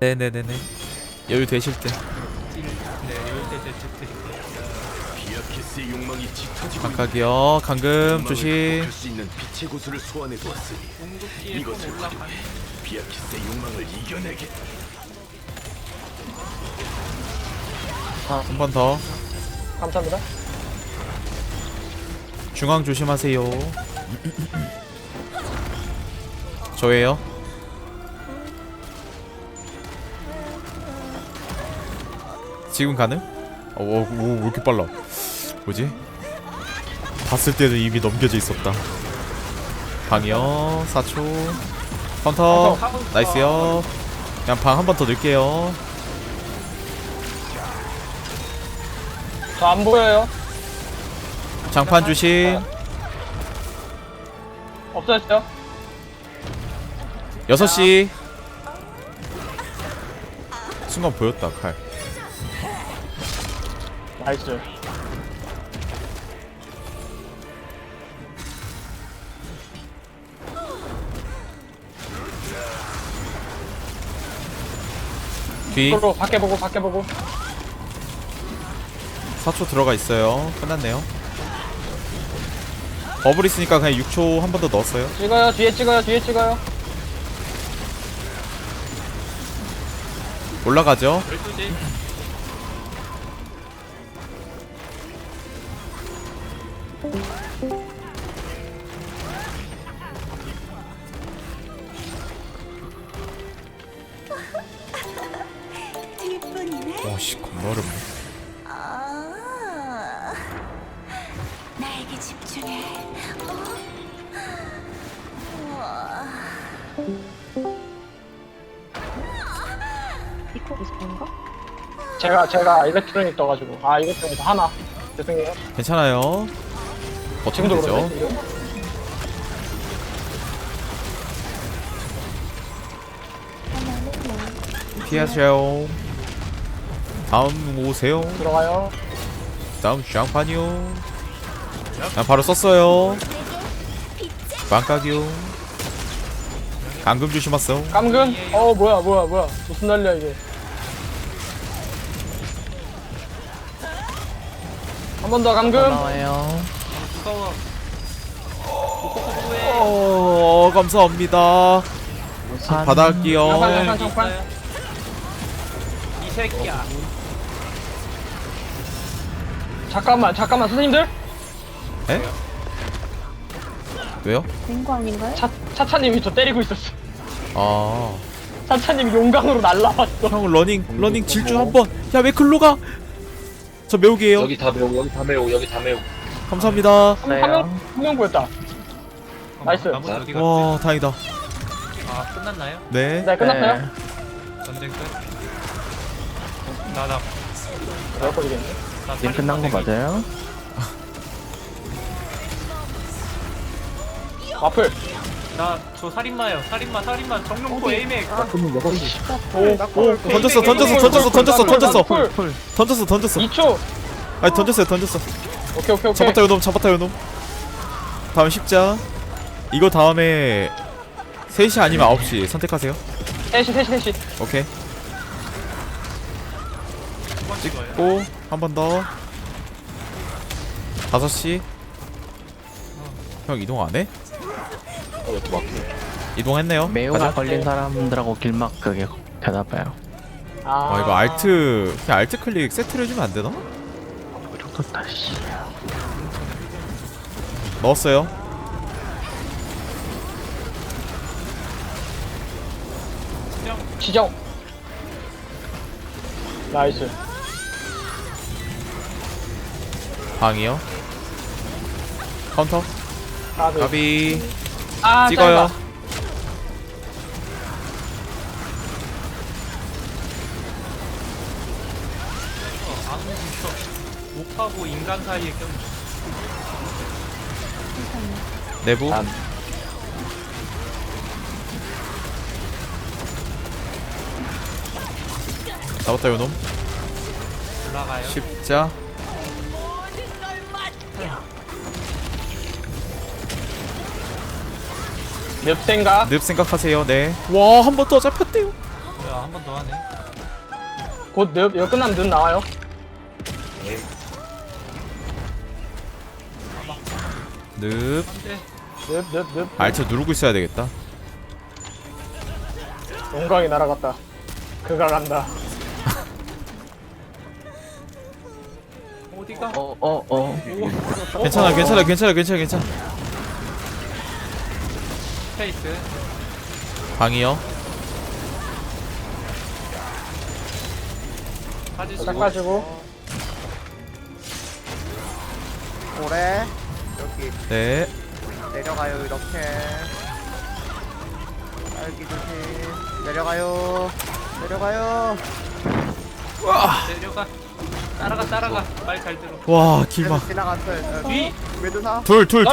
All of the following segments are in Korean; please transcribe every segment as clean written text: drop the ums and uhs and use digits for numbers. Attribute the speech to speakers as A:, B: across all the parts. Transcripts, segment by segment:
A: 네네네네. 여유 되실 때.
B: 네, 이럴 때 드릴게요.
C: 비아키스의 욕망이 짙어지고
A: 각각이요. 감금 조심.
C: 할수 있는 빛의 고수를 소환해 두었으니
B: 궁극기에
C: 이것을
B: 손 올라가.
C: 활용해 비아키스의 욕망을 이겨내게.
A: 한 번 더.
D: 감사합니다.
A: 중앙 조심하세요. 저예요. 지금 가능? 오, 왜 이렇게 빨라? 뭐지? 봤을 때는 이미 넘겨져 있었다. 방이요. 4초. 카운터. 나이스요. 그냥 방 한 번 더 넣을게요.
D: 저 안 보여요.
A: 장판 조심.
D: 없어졌어요.
A: 6시. 순간 보였다 칼.
D: 나이스.
A: 뒤.
D: 서로 밖에 보고 밖에 보고.
A: 4초 들어가 있어요. 끝났네요. 버블 있으니까 그냥 6초 한 번 더 넣었어요.
D: 찍어요. 뒤에 찍어요. 뒤에 찍어요.
A: 올라가죠.
B: 12시.
E: 뒷분이네.
A: 와씨 겁나 어렵네.
E: 아, 나에게 집중해. 우와.
F: 이거 비슷한가?
D: 제가 일렉트로닉 떠가지고. 아 일렉트로닉 하나. 죄송해요.
A: 괜찮아요. 버티면
D: 지금도
A: 되죠.
D: 그런데 지금?
A: 피하세요. 다음 오세요.
D: 들어가요.
A: 다음 샹판이요. 난 바로 썼어요. 빵깍이요. 감금 조심하세요.
D: 감금. 뭐야. 무슨 난리야 이게. 한 번 더 감금.
A: 나와요.
B: 무서워.
A: 감사합니다. 받아갈게요.
D: 장판.
B: 이 새끼야.
D: 잠깐만 선생님들.
A: 에? 왜요?
F: 된 거 아닌가요?
D: 차차님이 저 때리고 있었어.
A: 아,
D: 차차님이 용광으로 날라왔어.
A: 형 러닝 질주 한번. 야 왜 글로 가? 저 매우기에요.
G: 여기 다 매우, 여기 다 매우, 여기 다 매우.
A: 감사합니다.
D: 한명 보였다. 나이스.
B: 나머지 어디 갔지?
A: 와 다행이다.
B: 아, 끝났나요?
A: 네.
D: 네 끝났어요?
B: 전쟁 끝. 나
D: 몇 걸리겠네.
B: 게임 끝난 거 맞아요?
D: 와플.
B: 나저 살인마요. 살인마 정룡포 에이맥.
D: 오.
A: 던졌어.
D: 풀.
A: 던졌어.
D: 2초.
A: 아니 던졌어.
D: 오케이.
A: 잡았다 요놈. 다음 십자. 이거 다음에 3시 아니면 9시 선택하세요.
D: 셋이.
A: 오케이.
B: 찍고
A: 고 한 번 더. 5시. 형 이동 안 해? 이동했네요.
H: 매우가 걸린 사람들하고 길막 그게 되나봐요.
A: 이거 알트 그냥 알트 클릭 세트를 해주면 안 되나?
H: 좋다 씨.
A: 넣었어요.
D: 지정. 나이스.
A: 방이요. 카운터. 가비. 찍어요.
D: 짧아.
B: 목하고 인간 사이에 껴.
A: 내부. 잡았다 요놈.
B: 올라가요.
A: 십자.
D: 몇 생각?
A: 늪 생각하세요. 네. 와 한 번 더 잡혔대요.
B: 뭐야 한 번 더 하네.
D: 곧 이거 끝나면 눈 나와요.
A: 늪.
B: 안돼.
D: 늪.
A: 알트 누르고 있어야 되겠다.
D: 용광이 날아갔다. 그가 간다.
B: 어디가?
A: 괜찮아.
B: 스페이스.
A: 방이요.
B: 빠지시고.
D: 닦아주고.
F: 고래 여기
A: 네.
F: 내려가요 이렇게 딸기 조심 내려가요
B: 내려가. 따라가. 말 잘 들어.
A: 와
F: 그래서
A: 길막.
F: 지나갔어요
B: 뒤.
F: 메두사
A: 둘.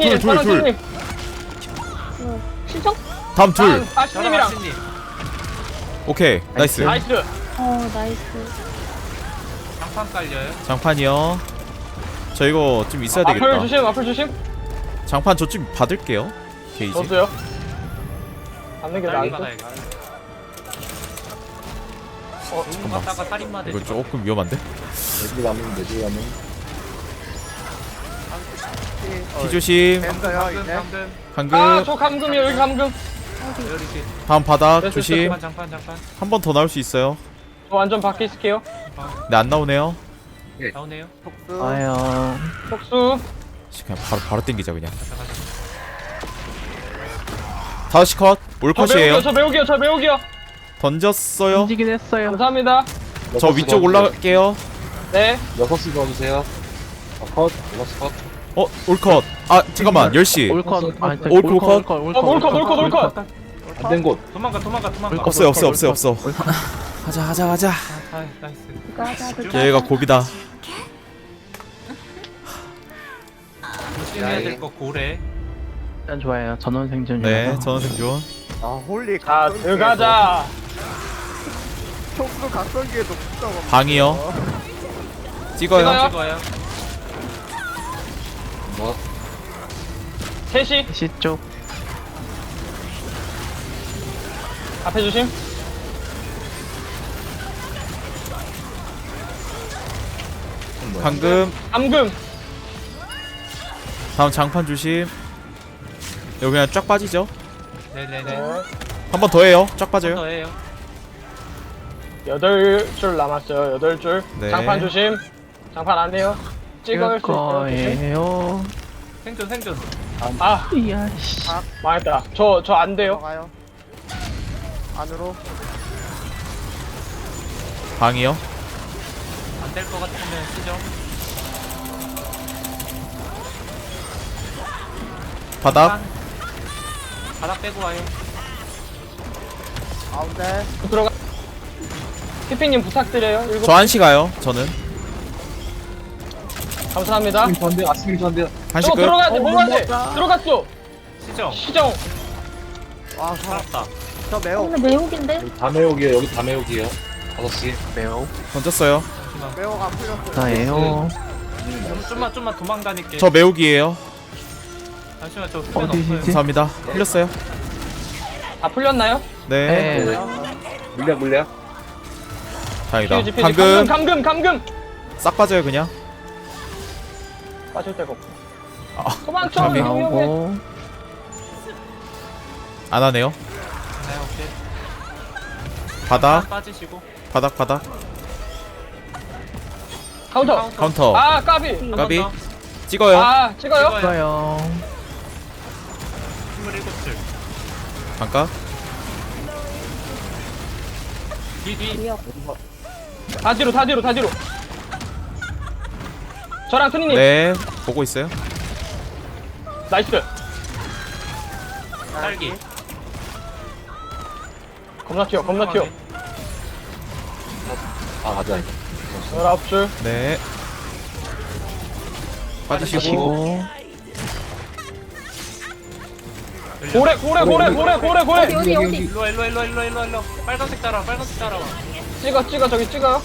E: 신청?
A: 다음 둘.
B: 저랑
D: 아시님이랑.
B: 아신님.
A: 오케이 나이스.
D: 나이스.
E: 나이스.
B: 장판 깔려요.
A: 장판이요. 저 이거 좀 있어야
D: 앞을
A: 되겠다.
D: 조심, 앞을 조심.
A: 장판 저 좀 받을게요. 게이지.
D: 저도요. 받는 게
B: 딸기
D: 나을 듯.
B: 받아야겠다. 너무 갔다가 살인마 되지.
A: 이거 조금 위험한데? 피 조심.
F: 됐어요 이제
B: 방금.
D: 아,
A: 방금.
D: 저 감금이요, 여기 감금.
B: 이렇게.
A: 다음 바닥
D: 됐어,
A: 조심.
B: 장판.
A: 한 번 더 나올 수 있어요.
D: 저 완전 밖에 있을게요.
A: 네 안 나오네요.
B: 나오네요.
F: 복수
H: 와요.
D: 속수.
A: 그냥 바로 땡기자 그냥.
B: 가자.
A: 5시 컷. 올 컷이에요.
D: 저 매우기요.
A: 던졌어요.
H: 움직이긴 했어요.
D: 감사합니다.
A: 저 위쪽 올라갈게요.
D: 네.
G: 6시 넣어주세요. 컷. 6시 컷.
A: 올 컷. 아 잠깐만 10시.
H: 올컷.
D: 올컷.
G: 안된 곳.
B: 도망가.
A: 없어요. 가자.
B: 아, 나이스.
A: 얘가 고비다.
B: 조심해야 될 거 고래.
H: 일단 좋아요. 전원 생존이라서.
A: 네 전원 생존.
F: 아 홀리
D: 자, 들어가자.
F: 촉수 각성기에도 붙어가
A: 방이요. 찍어요.
B: 찍어요.
G: 뭐?
D: 3시.
H: 시 쪽.
D: 앞에 조심.
A: 방금.
D: 감금.
A: 다음 장판 조심. 여기 그냥 쫙 빠지죠.
B: 네네네.
A: 한 번 더 해요. 쫙 빠져요.
B: 더해요.
D: 8줄 남았어요. 8줄.
A: 네.
D: 장판 조심. 장판 안 돼요. 찍을
H: 찍을
D: 수 있어요. 조심.
H: 거예요.
B: 생존.
D: 아,
H: 이야 씨.
D: 망했다. 저 안 돼요.
F: 들어가요 안으로
A: 방이요.
B: 안 될 거 같으면 쓰죠.
A: 바닥.
B: 바닥 빼고 와요.
F: 가운데
D: 들어가. 피피님 부탁드려요.
A: 저 한시 가요. 저는
D: 감사합니다.
G: 전대 아침이 전대.
A: 한시
D: 저
A: 끝.
D: 들어가야 돼. 뭐가지? 들어갔어.
B: 시정.
D: 시정.
F: 와
B: 살았다.
F: 저 매우
E: 매혹인데?
G: 여기 다 매우기에요. 여기 다 매우기에요. 5시.
H: 매우.
A: 던졌어요.
B: 잠시만.
F: 매우가 풀렸어요
H: 나예요.
B: 좀만 도망 다닐게.
A: 저 매우기예요.
B: 잠시만 저 수면
H: 어디시지?
B: 없어요.
A: 감사합니다. 흘렸어요.
D: 다 풀렸나요?
A: 네.
H: 네.
G: 물려.
A: 다행이다.
D: 피우지.
A: 방금
D: 감금.
A: 싹 빠져요 그냥.
D: 빠질 데가 없고.
A: 아,
D: 소방차
A: 감이.
D: 위험해.
H: 나오고.
A: 안 하네요.
B: 네 오케이.
A: 바닥.
B: 빠지시고.
A: 바닥.
D: 카운터.
A: 카운터.
D: 아, 까비.
B: 한
A: 까비.
B: 번 더.
A: 찍어요.
D: 아, 찍어요?
B: 찍어요.
H: 좋아요.
B: 27줄.
A: 잠깐.
B: 뒤.
D: 다 뒤로. 저랑 트리님.
A: 네. 보고 있어요.
D: 나이스.
B: 딸기.
D: 겁나 튀어.
G: 아 가자.
D: 19줄.
A: 네. 빠지시고.
H: 치고.
D: 고래.
E: 어디?
B: 일로 와. 빨간색 따라와.
D: 찍어. 저기 찍어요.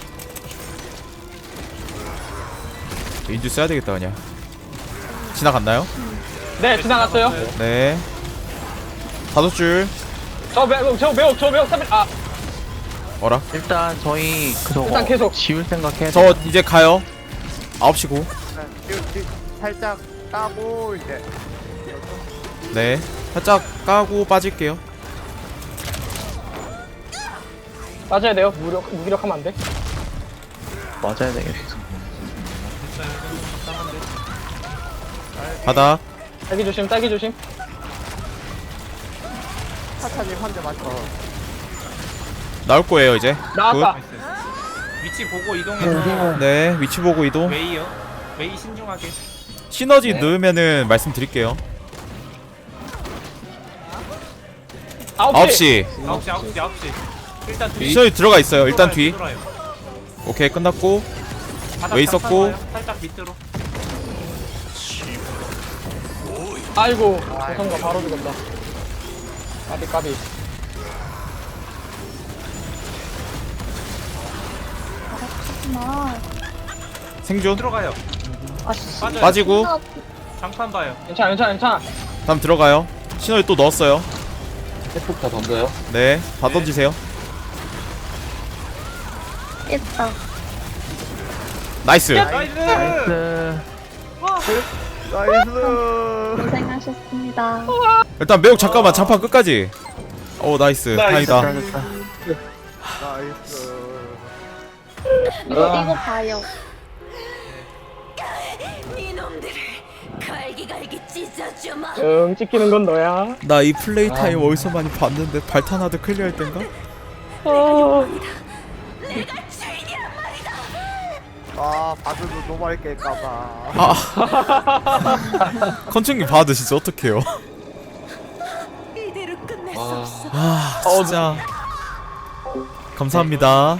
A: 인주 써야 되겠다 그냥. 지나갔나요?
D: 네, 지나갔어요.
A: 네. 5줄.
D: 저 매혹. 3일. 아,
A: 어라?
H: 일단 저희 그거
D: 일단 계속.
H: 지울 생각해.
A: 저 이제 가요. 9시 고.
F: 살짝 따고 이제
A: 네. 살짝 까고 빠질게요.
D: 빠져야 돼요. 무기력하면 안 돼.
H: 맞아야 되겠어.
B: 됐어요. 이건 적당한데.
A: 바닥.
D: 딸기 조심, 딸기 조심.
F: 차차님 한대 맞춰.
A: 나올 거예요 이제.
D: 나왔다.
B: 나이스. 위치 보고 이동해서
A: 굿. 네. 위치 보고 이동.
B: 웨이요. 웨이 신중하게.
A: 시너지 넣으면은 말씀드릴게요.
D: 9시.
A: 9시.
B: 9시. 일단 뒤.
A: 시너지 들어가 있어요. 일단 뒤.
B: 뒤돌아요.
A: 오케이 끝났고.
B: 바닥
A: 웨이
B: 잠깐
A: 썼고.
B: 봐요. 살짝 밑으로.
D: 아이고, 조성가 바로 죽었다. 까비, 까비.
E: 아,
A: 생존.
B: 들어가요.
E: 아씨.
B: 빠져요.
A: 빠지고.
B: 장판 봐요.
D: 괜찮아, 괜찮아, 괜찮아.
A: 다음 들어가요. 시너지 또 넣었어요.
G: 해폭 다 던져요.
A: 네. 다 던지세요.
E: 깼다.
A: 나이스.
B: 나이스.
H: 나이스.
F: 나이스.
E: 고생하셨습니다.
A: 일단 매혹 잠깐만 장판 끝까지. 오 나이스. 다행이다.
H: 잘했다.
F: 나이스.
E: 이거 봐요.
I: 이놈들을 갈기갈기 찢어주마.
D: 응, 찍히는 건 너야.
A: 나 이 플레이 타임 어디서 많이 봤는데 발탄하드 클리어할 땐가?
I: 내가 주인이란 말이다.
F: 아 바드도 노말 깰까봐.
A: 아. 컨충기 봐도 진짜 어떡해요.
I: 이대로 끝낼 수
G: 아.
I: 없어.
A: 아 진짜. 감사합니다.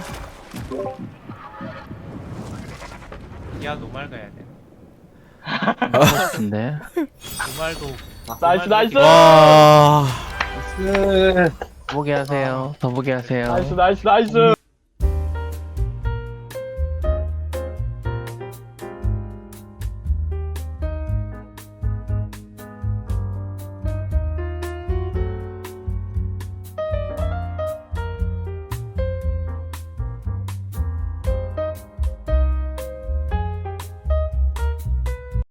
B: 야 노말 가야 돼.
H: 하고 싶은데.
B: 노말도.
D: 나이스, 나이스.
A: 와.
H: 더 보게 하세요. 더 보게 하세요.
D: 나이스, 나이스, 나이스.